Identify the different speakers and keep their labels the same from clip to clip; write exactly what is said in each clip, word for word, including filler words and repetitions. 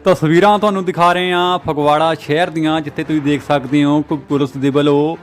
Speaker 1: ਤਸਵੀਰਾਂ ਤੁਹਾਨੂੰ ਦਿਖਾ ਰਹੇ ਹਾਂ ਫਗਵਾੜਾ ਸ਼ਹਿਰ ਦੀਆਂ, ਜਿੱਥੇ ਤੁਸੀਂ ਦੇਖ ਸਕਦੇ ਹੋ ਕਿ ਪੁਲਿਸ ਦੇ ਵੱਲੋਂ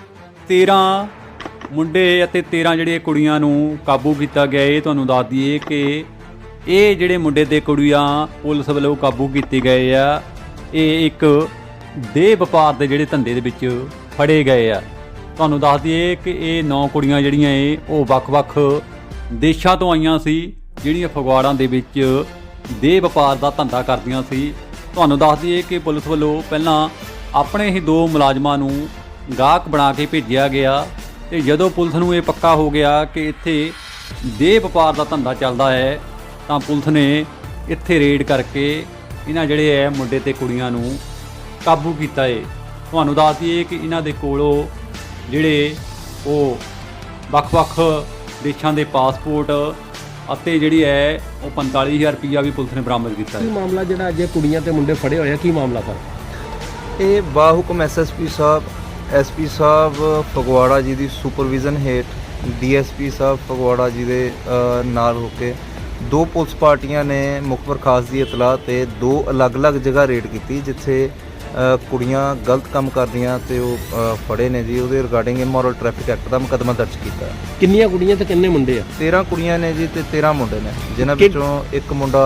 Speaker 1: ਤੇਰਾਂ ਮੁੰਡੇ ਅਤੇ ਤੇਰਾਂ ਜਿਹੜੀਆਂ ਕੁੜੀਆਂ ਨੂੰ ਕਾਬੂ ਕੀਤਾ ਗਿਆ। ਇਹ ਤੁਹਾਨੂੰ ਦੱਸ ਦਈਏ ਕਿ ਇਹ ਜਿਹੜੇ ਮੁੰਡੇ ਤੇ ਕੁੜੀਆਂ ਪੁਲਿਸ ਵੱਲੋਂ ਕਾਬੂ ਕੀਤੇ ਗਏ ਆ, ਇਹ ਇੱਕ ਦੇਹ ਵਪਾਰ ਦੇ ਜਿਹੜੇ ਧੰਦੇ ਦੇ ਵਿੱਚ ਫੜੇ ਗਏ ਆ। ਤੁਹਾਨੂੰ ਦੱਸ ਦਈਏ ਕਿ ਇਹ ਨੌ ਕੁੜੀਆਂ ਜਿਹੜੀਆਂ ਇਹ ਉਹ ਵੱਖ-ਵੱਖ ਦੇਸ਼ਾਂ ਤੋਂ ਆਈਆਂ ਸੀ, ਜਿਹੜੀਆਂ ਫਗਵਾੜਾ ਦੇ ਵਿੱਚ ਦੇਹ ਵਪਾਰ ਦਾ ਧੰਦਾ ਕਰਦੀਆਂ ਸੀ। ਤੁਹਾਨੂੰ ਦੱਸ ਦਈਏ ਕਿ ਪੁਲਿਸ ਵੱਲੋਂ ਪਹਿਲਾਂ ਆਪਣੇ ਹੀ ਦੋ ਮੁਲਾਜ਼ਮਾਂ ਨੂੰ ਗਾਹਕ ਬਣਾ ਕੇ ਭੇਜਿਆ ਗਿਆ, ਤੇ ਜਦੋਂ ਪੁਲਿਸ ਨੂੰ ਇਹ ਪੱਕਾ ਹੋ ਗਿਆ ਕਿ ਇੱਥੇ ਦੇਹ ਵਪਾਰ ਦਾ ਧੰਦਾ ਚੱਲਦਾ ਹੈ, ਤਾਂ ਪੁਲਿਸ ਨੇ ਇੱਥੇ ਰੇਡ ਕਰਕੇ ਇਹਨਾਂ ਜਿਹੜੇ ਹੈ ਮੁੰਡੇ ਤੇ ਕੁੜੀਆਂ ਨੂੰ ਕਾਬੂ ਕੀਤਾ ਹੈ। ਤੁਹਾਨੂੰ ਦੱਸ ਦਈਏ ਕਿ ਇਹਨਾਂ ਦੇ ਕੋਲੋਂ ਜਿਹੜੇ ਉਹ ਵੱਖ-ਵੱਖ ਦੇਸ਼ਾਂ ਦੇ ਪਾਸਪੋਰਟ ਅਤੇ ਜਿਹੜੀ ਹੈ ਉਹ ਪੰਤਾਲੀ ਹਜ਼ਾਰ ਰੁਪਈਆ ਵੀ ਪੁਲਿਸ ਨੇ ਬਰਾਮਦ ਕੀਤਾ ਹੈ।
Speaker 2: ਕੀ ਮਾਮਲਾ ਜਿਹੜਾ ਅੱਜ ਕੁੜੀਆਂ ਤੇ ਮੁੰਡੇ ਫੜੇ ਹੋਏ ਆ, ਕੀ ਮਾਮਲਾ ਸਰ?
Speaker 3: ਇਹ ਬਾਹੁਕਮ ਐਸਐਸਪੀ ਸਾਹਿਬ, ਐਸਪੀ ਸਾਹਿਬ ਫਗਵਾੜਾ ਜੀ ਦੀ ਸੁਪਰਵਿਜ਼ਨ ਹੇਠ ਡੀਐਸਪੀ ਸਾਹਿਬ ਫਗਵਾੜਾ ਜੀ ਦੇ ਨਾਲ ਹੋ ਕੇ ਦੋ ਪੁਲਿਸ ਪਾਰਟੀਆਂ ਨੇ ਮੁਖਬਰ ਖਾਸ ਦੀ ਇਤਲਾਹ ਤੇ ਦੋ ਅਲੱਗ-ਅਲੱਗ ਜਗ੍ਹਾ ਰੇਡ ਕੀਤੀ, ਜਿੱਥੇ ਕੁੜੀਆਂ ਗਲਤ ਕੰਮ ਕਰਦੀਆਂ ਤੇ ਉਹ ਫੜੇ ਨੇ ਜੀ। ਉਹਦੇ ਰਿਗਾਰਡਿੰਗ ਇਮੋਰਲ ਟ੍ਰੈਫਿਕ ਐਕਟ ਦਾ ਮੁਕੱਦਮਾ ਦਰਜ ਕੀਤਾ।
Speaker 2: ਕਿੰਨੀਆਂ ਕੁੜੀਆਂ ਤੇ ਕਿੰਨੇ ਮੁੰਡੇ ਆ?
Speaker 3: ਤੇਰਾਂ ਕੁੜੀਆਂ ਨੇ ਜੀ ਤੇ ਤੇਰਾਂ ਮੁੰਡੇ ਨੇ, ਜਿਨ੍ਹਾਂ ਵਿੱਚੋਂ ਇੱਕ ਮੁੰਡਾ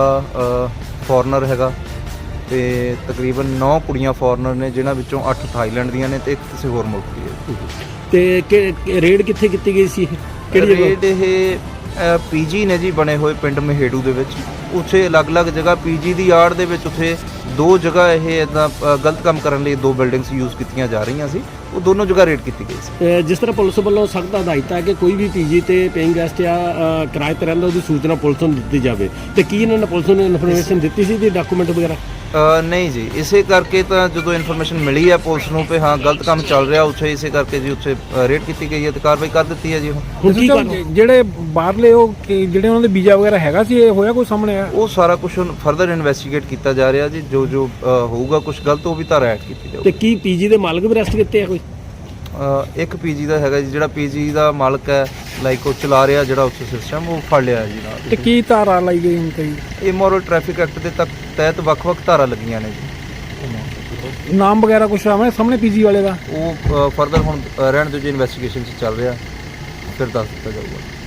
Speaker 3: ਫੋਰਨਰ ਹੈਗਾ ਤੇ ਤਕਰੀਬਨ ਨੌ ਕੁੜੀਆਂ ਫੋਰਨਰ ਨੇ, ਜਿਨ੍ਹਾਂ ਵਿੱਚੋਂ ਅੱਠ ਥਾਈਲੈਂਡ ਦੀਆਂ ਨੇ ਤੇ ਇੱਕ ਕਿਸੇ ਹੋਰ ਮੁਲਕ ਦੀ ਹੈ।
Speaker 2: ਤੇ ਰੇਡ ਕਿੱਥੇ ਕੀਤੀ ਗਈ ਸੀ?
Speaker 3: ਕਿਹੜੀ ਰੇਡ? ਇਹ ਪੀਜੀ ਨੇ ਜੀ ਬਣੇ ਹੋਏ ਪਿੰਡ ਮਹੇੜੂ ਦੇ ਵਿੱਚ। ਉੱਥੇ ਅਲੱਗ-ਅਲੱਗ ਜਗ੍ਹਾ ਪੀਜੀ ਦੀ ਆੜ ਦੇ ਵਿੱਚ ਉੱਥੇ ਦੋ ਜਗ੍ਹਾ ਇਹ ਇੱਦਾਂ ਗਲਤ ਕੰਮ ਕਰਨ ਲਈ ਦੋ ਬਿਲਡਿੰਗਸ ਯੂਜ਼ ਕੀਤੀਆਂ ਜਾ ਰਹੀਆਂ ਸੀ, ਉਹ ਦੋਨੋਂ ਜਗ੍ਹਾ ਰੇਡ ਕੀਤੀ ਗਈ ਸੀ।
Speaker 2: ਜਿਸ ਤਰ੍ਹਾਂ ਪੁਲਿਸ ਵੱਲੋਂ ਸਖਤ ਹਦਾਇਤ ਹੈ ਕਿ ਕੋਈ ਵੀ ਪੀਜੀ ਤੇ ਪੇਇੰਗ ਗੈਸਟ ਜਾਂ ਕਿਰਾਏ ਤੇ ਰਹਿੰਦਾ ਉਹਦੀ ਸੂਚਨਾ ਪੁਲਿਸ ਨੂੰ ਦਿੱਤੀ ਜਾਵੇ, ਤੇ ਕੀ ਇਹਨਾਂ ਨੇ ਪੁਲਿਸ ਨੂੰ ਇਨਫੋਰਮੇਸ਼ਨ ਦਿੱਤੀ ਸੀ ਦੀ ਡਾਕੂਮੈਂਟ ਵਗੈਰਾ?
Speaker 3: ਨਹੀਂ ਜੀ, ਇਸੇ ਕਰਕੇ ਤਾਂ ਜਦੋਂ ਇਨਫੋਰਮੇਸ਼ਨ ਮਿਲੀ ਹੈ ਪੁਲਿਸ ਨੂੰ ਕਿ ਹਾਂ ਗਲਤ ਕੰਮ ਚੱਲ ਰਿਹਾ ਉੱਥੇ, ਇਸੇ ਕਰਕੇ ਜੀ ਉੱਥੇ ਰੇਡ ਕੀਤੀ ਗਈ ਹੈ ਤੇ ਕਾਰਵਾਈ ਕਰ ਦਿੱਤੀ ਹੈ ਜੀ।
Speaker 2: ਹੁਣ ਕੀ
Speaker 4: ਜਿਹੜੇ ਬਾਹਰਲੇ ਉਹ ਜਿਹੜੇ ਉਹਨਾਂ ਦੇ ਵੀਜ਼ਾ ਵਗੈਰਾ ਹੈਗਾ ਸੀ, ਇਹ ਹੋਇਆ ਕੋਈ ਸਾਹਮਣੇ ਆ?
Speaker 3: ਉਹ ਸਾਰਾ ਕੁਝ ਫਰਦਰ ਇਨਵੈਸਟੀਗੇਟ ਕੀਤਾ ਜਾ ਰਿਹਾ ਜੀ। ਜੋ ਜੋ ਹੋਊਗਾ ਕੁਝ ਗਲਤ ਉਹ ਵੀ ਧਾਰਾ ਐਡ ਕੀਤੀ ਜਾਊਗੀ।
Speaker 2: ਤੇ ਕੀ ਪੀਜੀ ਦੇ ਮਾਲਕ ਵੀ ਅਰੈਸਟ ਕੀਤੇ ਆ ਕੋਈ?
Speaker 3: ਇੱਕ ਪੀਜੀ ਦਾ ਹੈਗਾ ਜੀ, ਜਿਹੜਾ ਪੀਜੀ ਦਾ ਮਾਲਕ ਹੈ ਲਾਈਕ ਉਹ ਚਲਾ ਰਿਹਾ ਜਿਹੜਾ ਉੱਥੇ ਸਿਸਟਮ, ਉਹ ਫੜ ਲਿਆ ਜੀ ਨਾਲ।
Speaker 4: ਤੇ ਕੀ ਧਾਰਾ ਲਾਈ ਗਈ ਹੁਣ ਕਈ?
Speaker 3: ਇਮੋਰਲ ਟ੍ਰੈਫਿਕ ਐਕਟ ਦੇ ਤੱਕ ਤਹਿਤ ਵੱਖ-ਵੱਖ ਧਾਰਾ ਲੱਗੀਆਂ ਨੇ ਜੀ।
Speaker 4: ਨਾਮ ਵਗੈਰਾ ਕੁਛ ਆਵੇਂ ਸਾਹਮਣੇ ਪੀਜੀ ਵਾਲੇ ਦਾ?
Speaker 3: ਉਹ ਫਰਦਰ ਹੁਣ ਰਹਿਣ ਦਿਓ ਜੀ, ਇਨਵੈਸਟੀਗੇਸ਼ਨ 'ਚ ਚੱਲ ਰਿਹਾ, ਫਿਰ ਦੱਸ ਦਿੱਤਾ ਜਾਊਗਾ।